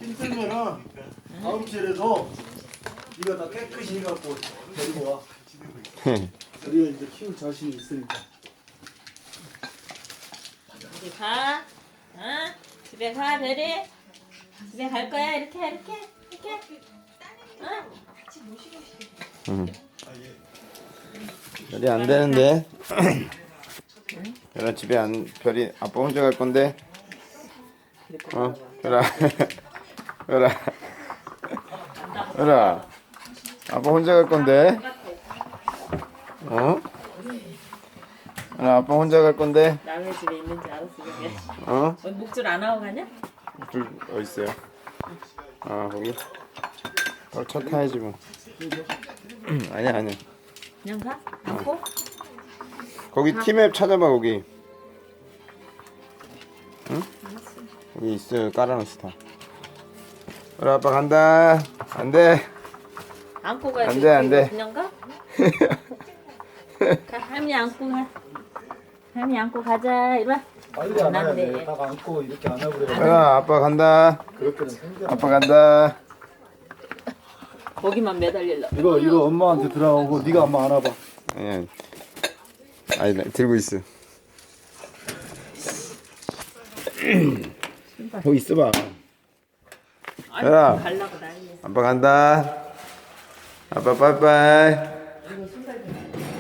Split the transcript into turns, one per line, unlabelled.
힘들면은 다음 주에라도 네가 다 깨끗이 해갖고 데리고 와. 우리가 이제 키울 자신이 있으니까.
어디 가? 어? 집에 가, 별이? 집에 갈 거야? 이렇게? 어?
별이 안 되는데. 별아 집에 안 별이 아빠 혼자 갈 건데. 별아 별아 별아 아빠 혼자 갈 건데. 별아 아빠 혼자 갈 건데.
남의 집에 있는지 알았어, 그게. 목줄 안 하고 가냐?
둘 어디 있어요? 거기. 차 타야지 뭐. 아니야.
그냥 가? 안고?
거기 티맵 찾아봐 거기. 응? 여기 있어요. 깔아놓으시 다. 그래 아빠 간다. 안 돼.
안고 가야
안 돼, 안 돼.
그냥 가? 가, 할머니 안고 가. 할머니 안고 가자. 이리 와.
빨리 안 해야
돼.
돼. 딱 안고 이렇게 안 하고 그래.
그래 아빠 간다.
그렇게는 생겨.
아빠 간다.
거기만 매달릴라.
이거 엄마한테 들어가고 네가 엄마 안아봐.
아니 들고 있어. 거기 있어봐.
아니,
얘들아.
가려고 난리.
아빠 간다. 아빠 빠이빠이.
이거 신발 좀.